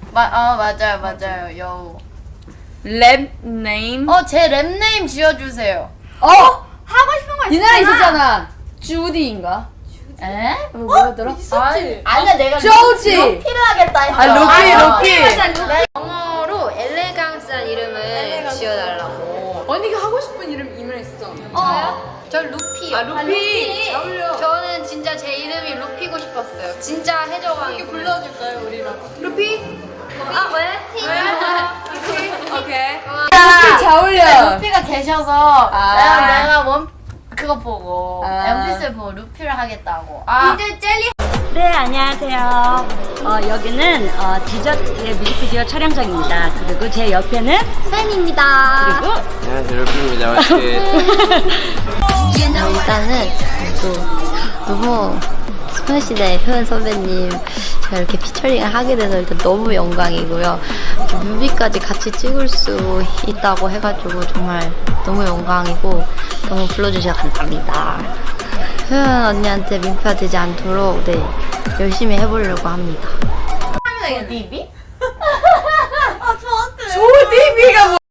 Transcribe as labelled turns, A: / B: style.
A: 맞아요. 여우.
B: 랩 네임.
A: 제 랩네임 지어주세요.
C: 하고 싶은 거
B: 이 나라 있었잖아. 주디인가?
A: 에?
B: 뭐였더라?
A: 아니야 내가
B: 조지.
A: 루피를 하겠다 했어.
B: 루피.
C: 영어로 엘레강스한 이름을 지어달라고.
B: 언니가 하고 싶은 이름이 있었잖아.
C: 저 루피요.
B: 루피.
C: 저는 진짜 제 이름이 루피고 싶었어요. 진짜 해적왕이
B: 불러줄까요, 우리랑?
C: 루피? 왜?
B: 오케이.
C: 루피
B: 잘 어울려.
A: 루피가 계셔서
B: 아.
A: 내가 그거 보고 연필을 보고 루피를 하겠다고.
C: 이제 젤리.
D: 네, 안녕하세요. 여기는 디저트의 뮤직비디오 촬영장입니다. 그리고 제 옆에는
C: 팬입니다.
D: 그리고
E: 안녕하세요, 루피입니다. 맛있게.
F: 일단은 또 너무 소녀시대 효연 선배님 제가 이렇게 피처링을 하게 돼서 일단 너무 영광이고요. 뮤비까지 같이 찍을 수 있다고 해가지고 정말 너무 영광이고 너무 불러주셔서 감사합니다. 효연 언니한테 민폐가 되지 않도록 열심히 해보려고 합니다.
A: 디비?
B: 조디비가